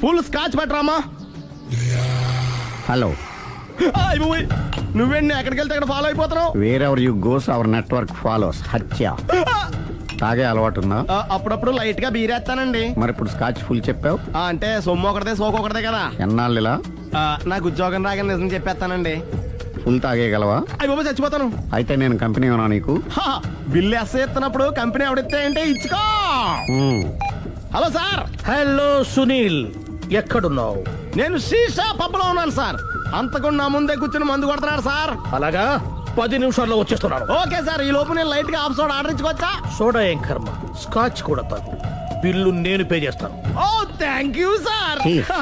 Full scotch పెట్టరామా. Hello, నువ్వేంటి ఎక్కడికి వెళ్తే అక్కడ ఫాలో అయిపోతున్నావు? Wherever you goes our network follows. హత్య. తాగే అలవాటు ఉందా? అప్పుడప్పుడు లైట్ గా బీరేస్తానండి. మరి ఇప్పుడు స్కాచ్ ఫుల్ చెప్పావు అంటే సొమ్ము ఒకటిదే సోకు ఒకటిదే కదా. ఎన్నాళ్ళు ఇలా? నాకు ఉద్యోగం రాగానే నిజం చెప్పేస్తానండి. ఫుల్ తాగేయగలవా? అయ్యి బాబా చచ్చిపోతాను. అయితే నేను కంపెనీ ఉన్నా నీకు? బిల్లు ఎస్తున్నప్పుడు కంపెనీ ఎవడితే అంటే ఇచ్చుకో. Hello sir. హలో సునీల్, ఎక్కడున్నావు? నేను శీషా పబ్లో ఉన్నాను సార్. అంతకుండా నా ముందే కూర్చుని మందు కొడుతున్నాడు సార్. అలాగా, 10 నిమిషాల్లో వచ్చేస్తున్నాను. Okay sir. ఈ లోపు నేను లైట్ గా హాఫ్ సోడా ఆర్డర్ ఇచ్చుకోవచ్చా? సోడా ఏం కర్మ, స్కాచ్ కూడా తాగు. బిల్లు నేను పే చేస్తాను. Oh thank you sir.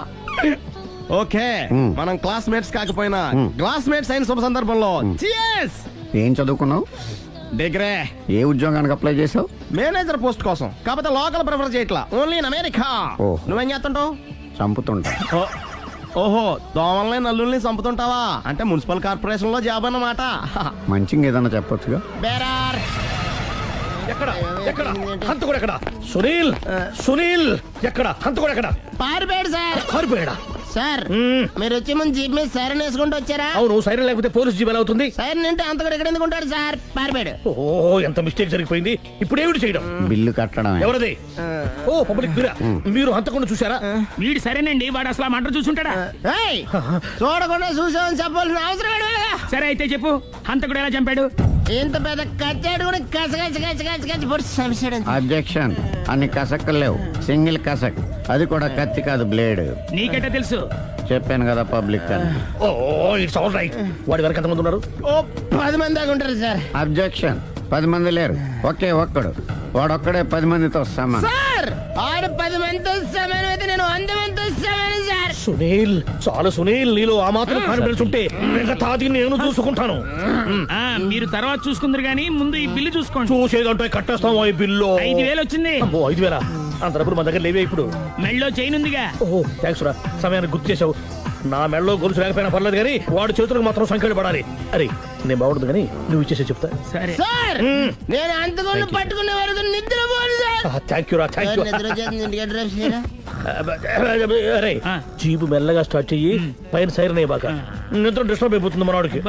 Okay, మనం క్లాస్మేట్స్ కాకపోయినా క్లాస్మేట్స్ అయిన శుభ సందర్భంలో cheers. ఏం చదువుకున్నావు? డిగ్రీ. ఏ ఉద్యోగానికి అప్లై చేసావు? మేనేజర్ పోస్ట్ కోసం. కాకపోతే లోకల్ ప్రిఫర్ చేయట్లా, ఓన్లీ ఇన్ అమెరికా. ఓహో. నువ్వేం చేస్తుంటావు? చంపుతుంటా. ఓహో, దోమల్ని నల్లుల్ని చంపుతుంటావా? అంటే మున్సిపల్ కార్పొరేషన్ లో జాబ్ అన్నమాట. మంచిగా ఏదన్నా చెప్పొచ్చుగా. బేరార్. ఎక్కడ ఎక్కడ హంతకుడు ఎక్కడ? సునీల్, సునీల్ ఎక్కడ? హంతకుడు ఎక్కడ? పారిపోయాడు సార్. పారిపోయాడా? సార్ మీరు వచ్చే ముందు జీప్ మీద సైరన్ వేసుకుంటూ వచ్చారా? అవును, సైరన్ లేకపోతే పోలీస్ జీవన్ అవుతుంది. సైరన్ అంటే అంత కూడా ఎక్కడ ఎందుకు ఉంటాడు సార్? పారిపోయాడు. ఓ, ఎంత మిస్టేక్ జరిగిపోయింది. ఇప్పుడు ఏమిటి చేయడం? బిల్లు కట్టడం. ఎవరది? ఓ, పబ్లిక్ బిరా. మీరు హంతకుండా చూసారా? వీడు సరేనండి, వాడు అసలు ఆ మంట చూసుంటాడా? ఏయ్, చూడకుండా చూసామని చెప్పాల్సిన అవసరం ఏంటి? సరే అయితే చెప్పు, హంతకుడు ఎలా చంపాడు? ఇంత పెద్ద కచ్చాడు కూడా కచ్చ పొడి సమస్యడు. అబ్జెక్షన్. అన్ని కసక్కలు లేవు, సింగిల్ కసక్. అది కూడా కత్తి కాదు, బ్లేడ్. నీకెట్టా తెలుసు? చెప్పాను కదా పబ్లిక్ అని. Oh, it's all right. వాడి వరకు ఎంతమంది ఉన్నారు? ఓ 10 మంది దాకా ఉంటారు సార్. అబ్జెక్షన్. 10 మంది లేరు, ఒకే ఒక్కడు. వాడొక్కడే 10 మందితో సమానం. సార్ ఆడు 10 మందితో సమానం అయితే నేను 100 మందితో సమానం సార్. సునీల్, చాలా సునీల్, నీలో ఆ మాత్రం కాన్ఫిడెన్స్ ఉంటే మిగతాది నేను చూసుకుంటాను. మీరు తర్వాత చూసుకుందరు గానీ ముందు ఈ బిల్లు చూసుకోండి. చూసేదంటే కట్టేస్తాం. ఈ బిల్లు 5,000 వచ్చింది. 5,000? అంత డబ్బులు మన దగ్గర లేవే ఇప్పుడు. మెళ్ళో చైన్ ఉందిగా. ఓహో, థ్యాంక్స్ రా, సమయానికి గుర్తు చేసావు. నా మెడలో గొలుసు లేకపోయినా పర్లేదు కానీ వాడి చేతులకు మాత్రం సంఖ్యలు పడాలి. అరే, నేను బాగుంటుంది కానీ నువ్వు ఇచ్చేసే చెప్తా. సరే సార్ నేను అంతకుండా పట్టుకునే వరకు నిద్రపోను సార్. థ్యాంక్ యూ రా, థ్యాంక్ యూ. నిద్ర వచ్చేది, ఇంటికి డ్రైవ్ చేయరా? అరే, జీపు మెల్లగా స్టార్ట్ చెయ్యి, పైన సైరన్ అయ్యి బాగా. నిద్ర డిస్టర్బ్ అయిపోతుంది మనవాడికి.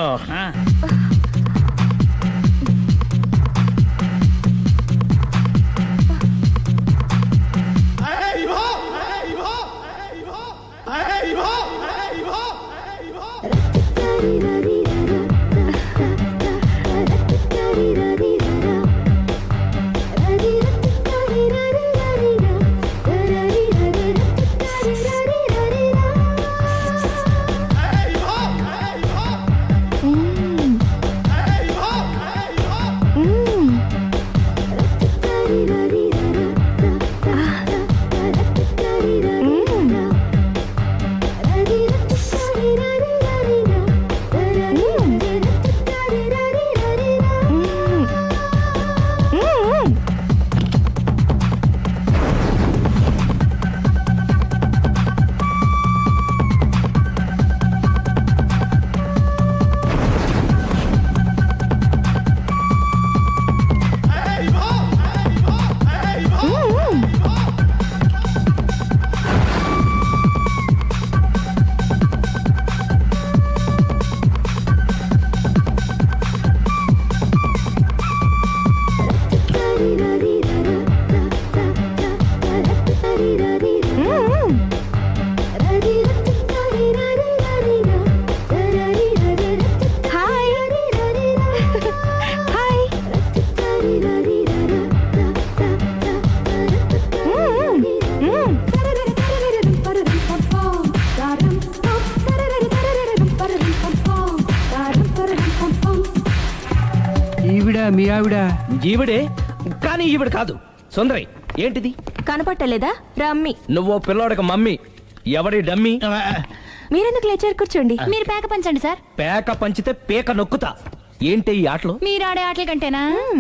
మీ ఆవిడ? ఈవిడే, కానీ ఈవిడ కాదు. సుందరి, ఏంటిది? కనపట్టలేదా? రమ్మి. నువ్వు పిల్లోడికి మమ్మీ. ఎవడి డమ్మీ? మీరెందుకు లేచారు? కూర్చోండి. మీరు పేక పంచండి సార్. పేక పంచితే పేక నొక్కుతా. ఏంటి ఈ ఆటలు? మీరు ఆడే ఆటల కంటేనా?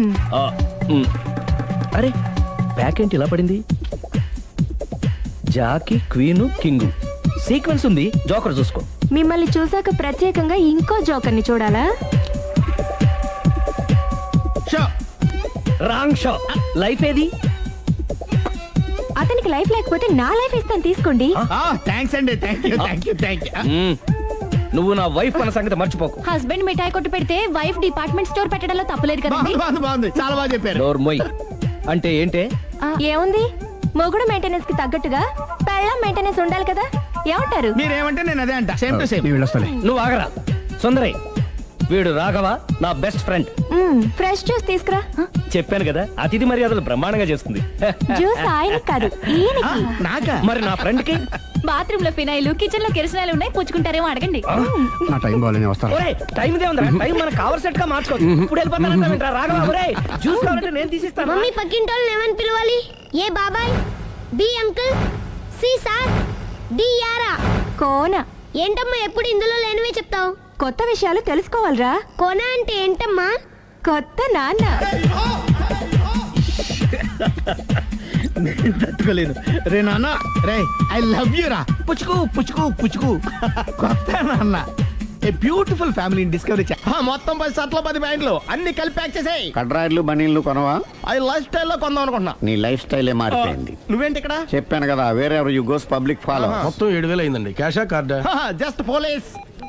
అరే, పేక ఏంటి ఇలా పడింది? జాకీ, క్వీను, కింగు సీక్వెన్స్ ఉంది. జోకర్ చూసుకో. మిమ్మల్ని చూసాక ప్రత్యేకంగా ఇంకో జోకర్ని చూడాలా? Wrong show. లైఫ్ ఏది? అతనికి లైఫ్ లేకపోతే నా లైఫ్ ఇస్తాను తీసుకోండి. థ్యాంక్స్ అండి, థ్యాంక్ యూ. నువ్వు నా వైఫ్ అన్న సంగతి మర్చిపోకు. హస్బెండ్ మిఠాయి కొట్టు పెడితే వైఫ్ డిపార్ట్మెంట్ స్టోర్ పెట్టడంలో తప్పలేదు కదండి. బాగుంది, చాలా బాగా చెప్పారు. డోర్ మొయ్ అంటే ఏంటే? ఏముంది, మొగుడు మెయింటెనెన్స్ కి తగ్గట్టుగా పెళ్ళం మెయింటెనెన్స్ ఉండాలి కదా. ఏమంటారు? మీరేమంటే నేను అదే అంట. Same to same. నువ్వు ఆగరా సుందరై. వీడు రాఘవ నా బెస్ట్ ఫ్రెండ్. ఫ్రెష్ జ్యూస్ తీసుకురా. చెప్పాను కదా, అతిథి మర్యాదలు బ్రహ్మాండంగా చేస్తుంది. జ్యూస్ ఆయనకి కాదు ఈయనకి. నాకా? మరి నా ఫ్రెండ్ కి బాత్రూమ్ లో ఫినాయిల్, కిచెన్ లో కిరసనాయిలు ఉన్నాయి, పుచ్చుకుంటారేమో అడగండి. నా టైం బాగాలేని వస్తాను. ఒరే టైం ఇదే ఉందా? టైం మనకు కావలసినట్టు గా మార్చుకోవచ్చు. ఇప్పుడు వెళ్ళిపోతానంటా రాఘవ. ఒరే జ్యూస్ కావాలంటే నేను తీసిస్తాను. మమ్మీ పక్కింటోళ్ళని ఏమని పిలవాలి? ఏ బాబాయ్, B uncle, C sir, D యారా. కోన. ఏంటమ్మా ఎప్పుడు ఇందులో లేనివే చెప్తావు? కొత్త విషయాలు తెలుసుకోవాలిరా. కోన అంటే ఏంటమ్మా? కొత్త నాన్న. తట్టుకోలేను రే నాన్న. రే ఐ లవ్ యూ రా. పుచ్చుకు పుచ్చుకు పుచ్చుకు. కొత్త నాన్న. A beautiful family discovery. మొత్తం 10 షర్ట్లు 10 ప్యాంట్లు అన్ని కలిపి ప్యాక్ చేసేయ్. కడ్రాయిలు బనీళ్లు కొనవా? అవి లైఫ్ స్టైల్లో కొందాం అనుకుంటున్నా. నీ లైఫ్ స్టైలే మారిపోయింది. నువ్వేంటి ఇక్కడ? చెప్పాను కదా, వేరే ఎవరు యు గోస్ పబ్లిక్ ఫాలో. మొత్తం 7,000 అయిందండి. క్యాషా కార్డా? Just police.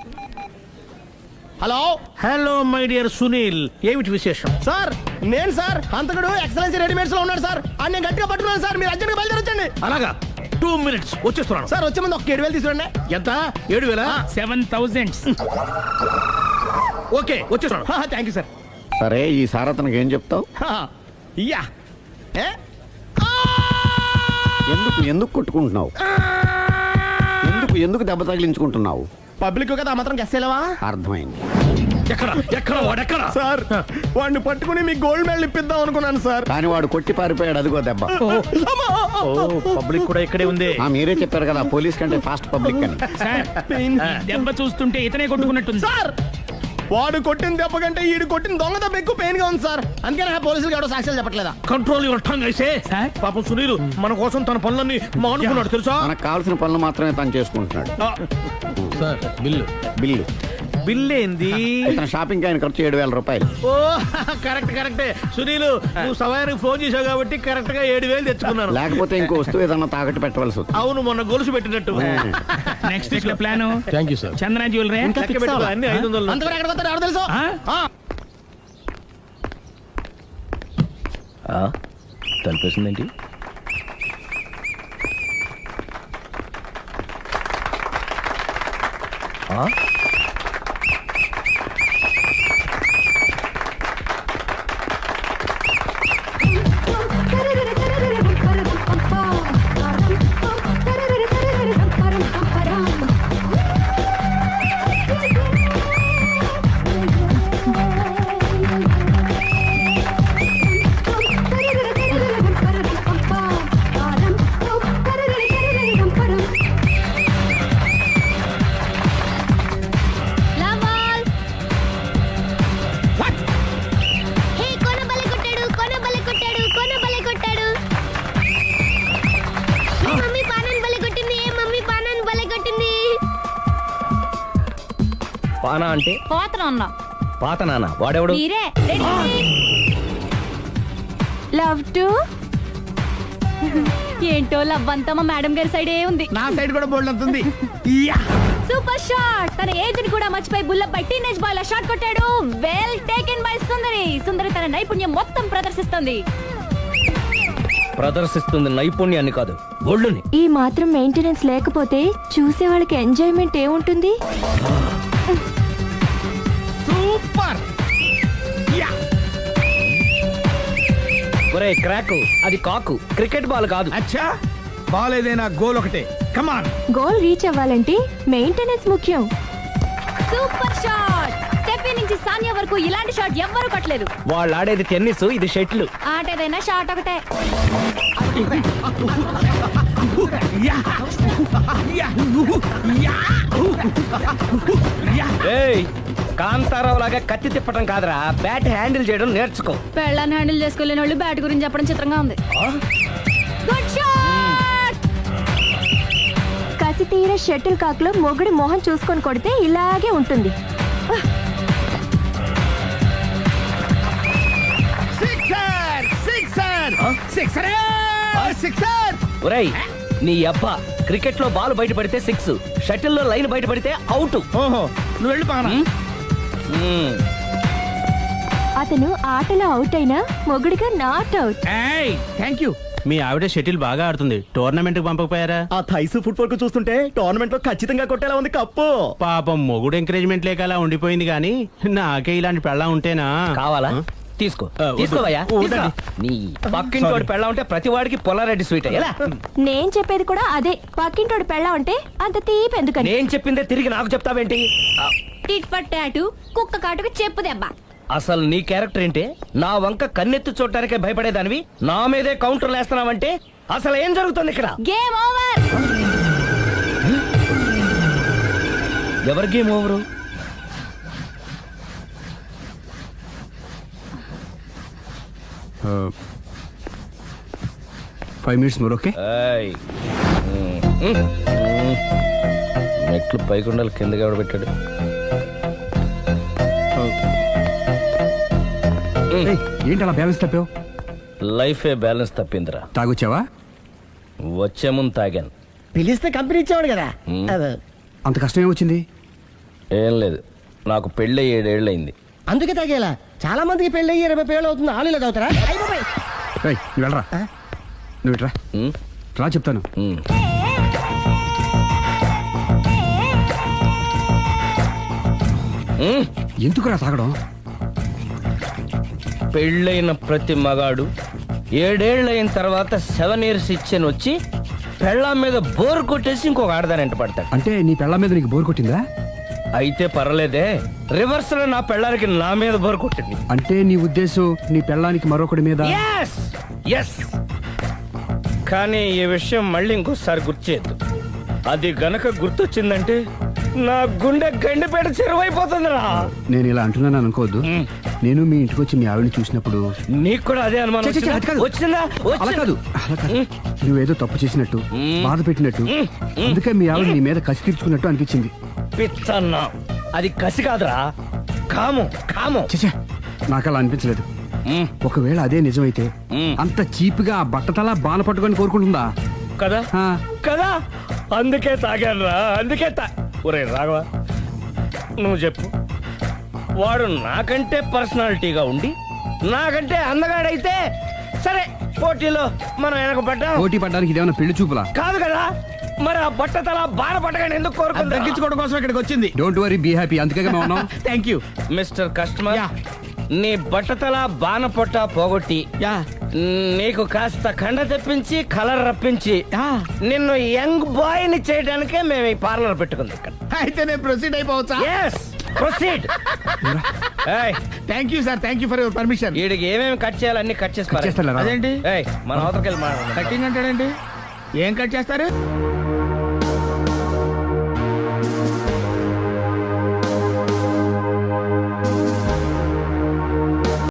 Hello hello my dear Sunil, ఏమిటి విశేషం? సార్, నేను సార్ హంతకుడు ఎక్సలెన్సీ రెడీమేడ్స్ లో ఉన్నాడు సార్. అని నేను గట్టిగా పట్టుకున్నాను సార్. మీరు అర్జెంట్గా బయలుదేరొచ్చండి. అలాగా, 2 minutes వచ్చేస్తున్నాను. సార్ వచ్చే ముందు ఒక 7,000 తీసుకురండి. ఎంత? 7,000? 7,000. ఓకే వచ్చేస్తున్నాను. Thank you sir. సరే, ఈ సార్ అతనికి ఏం చెప్తావు? యా ఏ? ఎందుకు కొట్టుకుంటున్నావు? ఎందుకు దెబ్బ తగిలించుకుంటున్నావు? పబ్లిక్ కదా మాత్రం గెస్సేలేవా? అర్థమైంది. ఎక్కడ వాడెక్కడ? సార్, వాడిని పట్టుకుని మీ గోల్డ్ మెడల్ ఇప్పిద్దాం అనుకున్నాను సార్. కానీ వాడు కొట్టి పారిపోయాడు, అదిగో దెబ్బ. పబ్లిక్ కూడా ఇక్కడే ఉంది. మీరే చెప్పారు కదా, పోలీస్ కంటే ఫాస్ట్ పబ్లిక్ అని. సార్, దెబ్బ చూస్తుంటే ఇతనే కొట్టుకున్నట్టుంది. సార్, వాడు కొట్టిన దెబ్బ కంటే ఈడు కొట్టిన దొంగ దెబ్బ ఎక్కువ పెయిన్ గా ఉంది సార్. అందుకని ఆ పోలీసులకు ఎవడో సాక్ష్యాలు చెప్పట్లేదా? కంట్రోల్ యువర్ టంగ్ అయితే. సార్? పాపం సునీల్ మన కోసం తన పనులన్నీ మానుకున్నాడు తెలుసా? మనకు కావాల్సిన పనులు మాత్రమే తను చేసుకుంటున్నాడు. Sir bill. బిల్ ఏంది? ఇతను షాపింగ్ ఆయన ఖర్చు 7,000 రూపాయలు. ఓ కరెక్టే సునీల్, నువ్వు సమయానికి ఫోన్ చేసావు కాబట్టి కరెక్ట్ గా 7,000 తెచ్చుకున్నాను. లేకపోతే ఇంకో వస్తువు ఏదన్నా తాకట్టు పెట్టవలసి వస్తుంది. అవును, మొన్న గొలుసు పెట్టినట్టు. నెక్స్ట్ వీక్ లో plan thank you sir. Chandana jewellery. లెక్క పెట్టుకో, అన్ని 500. అంతవరకు ఎక్కడ పోతాడు ఎవరు తెలుసు? తలిపేసిందేంటి? హే, కోన బలే కొట్టాడు, కోన బలే కొట్టాడు, కోన బలే కొట్టాడు. ఏ మమ్మీ పానాన్ని బలే కొట్టింది, ఏ మమ్మీ పానాన్ని బలే కొట్టింది. పానా అంటే పోతనం అన్నా. పాత నాన్న. వాడెవడు? మీరే రెడీ? Love to. ఏంటో లవ్ అంతా మా మేడం గారి సైడే ఉంది. నా సైడ్ కూడా బోల్డ్ అంతుంది. Super shot. తన ఏజ్ ని కూడా మర్చిపోయి బుల్లపై టీనేజ్ బాయ్ లా షాట్ కొట్టాడు. వెల్ టేకెన్ బై సుందరి తన నైపుణ్యం మొత్తం ప్రదర్శిస్తుంది నైపుణ్యాన్ని కాదు, ఒళ్ళుని. ఈ మాత్రం మెయింటెనెన్స్ లేకపోతే చూసే వాళ్ళకి ఎంజాయ్మెంట్ ఏముంటుంది? సూపర్. ఒరే క్రాకు, అది కాకు, క్రికెట్ బాల్ కాదు. అచ్చా, బాల్ ఏదైనా గోల్ ఒకటే. కమాన్. గోల్ రీచ్ అవ్వాలంటే మెయింటెనెన్స్ ముఖ్యం. Super shot. స్టెఫీ నుంచి సానియా వరకు ఇలాంటి షాట్ ఎవ్వరూ కొట్టలేదు. వాళ్ళు ఆడేది టెన్నిస్, ఇది షటిల్. ఆట ఏదైనా షాట్ ఒకటే. కాంతారావు లాగా కత్తి తిప్పటం కాదురా, బ్యాట్ హ్యాండిల్ చేయడం నేర్చుకో. పెళ్ళాన్ని హ్యాండిల్ చేసుకోలేని వాళ్ళు బ్యాట్ గురించి చెప్పడం చిత్రంగా ఉంది. Good shot. కసి తీర షటిల్ కాక్ లో మొగుడి మొహం చూసుకొని కొడితే ఇలాగే ఉంటుంది. సిక్సర్. ఒరేయ్ నీ అబ్బా క్రికెట్ లో బాల్ బయట పడితే 6, షటిల్ లో లైన్ బయట పడితే అవుట్. ఓహో నువ్వు వెళ్ళి పానా. అతను ఆటలో అవుట్ అయినా మొగుడిగా నాట్ అవుట్. Thank you. మీ ఆవిడ షటిల్ బాగా ఆడుతుంది, టోర్నమెంట్ కి పంపకపోయారా? ఆ థైసు ఫుట్బాల్ కు చూస్తుంటే టోర్నమెంట్ లో ఖచ్చితంగా కొట్టేలా ఉంది కప్పు. పాపం మొగుడు ఎంకరేజ్మెంట్ లేక అలా ఉండిపోయింది గానీ నాకే ఇలాంటి పెళ్ళం ఉంటేనా. కావాలా? తీసుకో తీసుకోవయ్యా. నీ పక్కింటోడి పెళ్ళ ఉంటే ప్రతి వాడికి పొలారెడ్డి స్వీట్ ఎలా? నేను చెప్పేది కూడా అదే, పక్కింటోడు పెళ్ళా ఉంటే అంత తీపి ఎందుకని. నేను చెప్పిందే తిరిగి నాకు చెప్తావేంటి? టిట్ పట్టాటు కుక్క కాటుకు చెప్పు దెబ్బ. అసలు నీ క్యారెక్టర్ ఏంటి? నా వంక కన్నెత్తి చూడటానికే భయపడేదానివి నా మీదే కౌంటర్లు వేస్తున్నావంటే అసలు ఏం జరుగుతుంది ఇక్కడ? Game over. ఎవరి game over? 5 minutes more, okay? మెట్లు పైకుండాలి కిందకి ఎవడ పెట్టాడు? ఏంటి అలా బ్యాలెన్స్ తప్పావు? లైఫే బ్యాలెన్స్ తప్పిందిరా. తాగొచ్చావా? వచ్చే ముందు తాగాను. పిలిస్తే కంపెనీ ఇచ్చేవాడు కదా. అంత కష్టం ఏమొచ్చింది? ఏం లేదు, నాకు పెళ్ళి 7 ఏళ్ళు అయింది. అందుకే తాగేలా. చాలా మందికి పెళ్ళి 20 ఏళ్ళు అవుతుంది. ఆలీలో తాగుతారా? నువ్వు వెళ్ళరా, నువ్వు ఇట్రా రా చెప్తాను. ఎందుకురా తాగడం? పెళ్ళైన ప్రతి మగాడు 7 ఏళ్ళు అయిన తర్వాత 7 years ఇచ్చాను వచ్చి పెళ్ళాం మీద బోర్ కొట్టేసి ఇంకొక ఆడదానంట పడతాడు. అంటే నీ పెళ్ళ మీద నీకు బోర్ కొట్టిందా? అయితే పర్లేదే, రివర్స్ లో నా పెళ్ళానికి నా మీద బోర్ కొట్టింది. అంటే నీ ఉద్దేశం నీ పెళ్ళానికి మరొకటి మీద? Yes. కానీ ఈ విషయం మళ్ళీ ఇంకోసారి గుర్తు చేయొద్దు. అది గనక గుర్తొచ్చిందంటే నా గుండె గండిపేట చెరువైపోతుందిరా. నేను ఇలా అంటున్నాను అనుకోవద్దు. నేను మీ ఇంటికి వచ్చి మీ ఆవిడని చూసినప్పుడు నీకు కూడా అదే అనుమానం అది కాదు. వచ్చిందా? అలా కాదు. నువ్వేదో తప్పు చేసినట్టు, బాధ పెట్టినట్టు, అందుకే మీ ఆవిడ నీ మీద కసి తీర్చుకున్నట్టు అనిపించింది. పిచ్చన్నా, అది కసి కాదురా, కాము. చచ్చా, నాకు అలా అనిపించలేదు. ఒకవేళ అదే నిజమైతే అంత చీప్ గా బట్టతలా బాన పట్టుకొని కోరుకుంటుందా? కదా ఆ. కదా, అందుకే తాగాను రా, అందుకే ఒరే రాఘవ, నువ్వు చెప్పు, వాడు నాకంటే పర్సనాలిటీగా ఉండి నాకంటే అందగాడైతే సరే, పోటీలో మనం వెనక పడ్డాం. పోటీ పడ్డానికి ఇదేమన్నా పెళ్లి చూపులా? కాదు కదా, మరి ఆ బట్టతల బాన పట్టగానే ఎందుకు కోరుకుంది? తగ్గించుకోవడం కోసం ఇక్కడికి వచ్చింది. Don't worry, be happy. అందుకే మేము ఉన్నాం. Thank you. మిస్టర్ కస్టమర్, నీ బట్టతల బాన పొట్ట పోగొట్టి నీకు కాస్త కండ తెప్పించి కలర్ రప్పించి నిన్ను యంగ్ బాయ్ ని చేయడానికే మేము ఈ పార్లర్ పెట్టుకుంది ఇక్కడ. అయితే నేను ప్రొసీడ్ అయిపోవచ్చా? Yes, proceed. Thank you sir, thank you for your permission. వీడికి ఏమేమి కట్ చేయాలి అన్ని కట్ చేసి చేస్తారా? అదేంటి మన అవతలకి వెళ్ళి కటింగ్ అంటాడండి? ఏం కట్ చేస్తారు?